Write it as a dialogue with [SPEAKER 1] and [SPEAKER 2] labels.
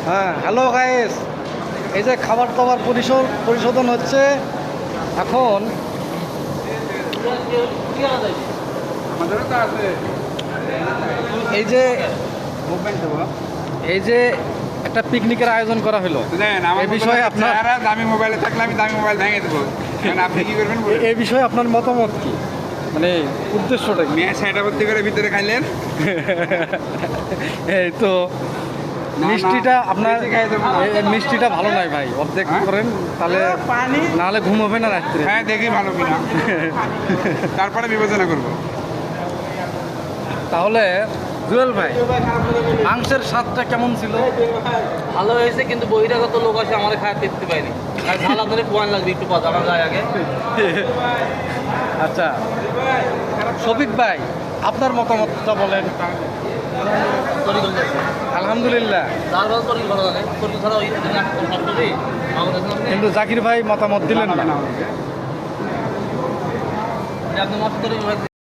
[SPEAKER 1] হ্যাঁ, hello guys. এই যে খাবার দাবার পরিশোধন হচ্ছে এখন। এই যে এই যে একটা পিকনিকের আয়োজন করা হলো, এই বিষয়ে আপনার
[SPEAKER 2] দামি মোবাইলে থাকলে আমি দামি মোবাইল ভেঙে দেবো। আপনি কি করবেন?
[SPEAKER 1] এই বিষয়ে আপনার মতামত কি, মানে উদ্দেশ্যটা কি?
[SPEAKER 2] মেয়ে সেটা ভর্তি করে ভিতরে খাইলেন।
[SPEAKER 1] এই তো মিষ্টিটা আপনার মিষ্টিটা ভালো নয় ভাই, অর্ধেক করেন তাহলে নাহলে ঘুম হবে না রাত্রে।
[SPEAKER 2] হ্যাঁ, দেখি ভালো কিনা, তারপরে বিবেচনা করবো।
[SPEAKER 1] তাহলে জুয়েল ভাই, মাংসের স্বাদটা কেমন ছিল?
[SPEAKER 3] ভালো হয়েছে, কিন্তু বহিরাগত লোক আছে আমাদের খায় দেখতে পাইনি। আর ঝাল আপনাদের পয়েন্ট লাগবে একটু পর আমার গায়ে আগে।
[SPEAKER 1] আচ্ছা শফিক ভাই, আপনার মতামতটা বলেন। আলহামদুলিল্লাহ। কিন্তু জাকির ভাই মতামত দিলেন না।
[SPEAKER 3] আপনি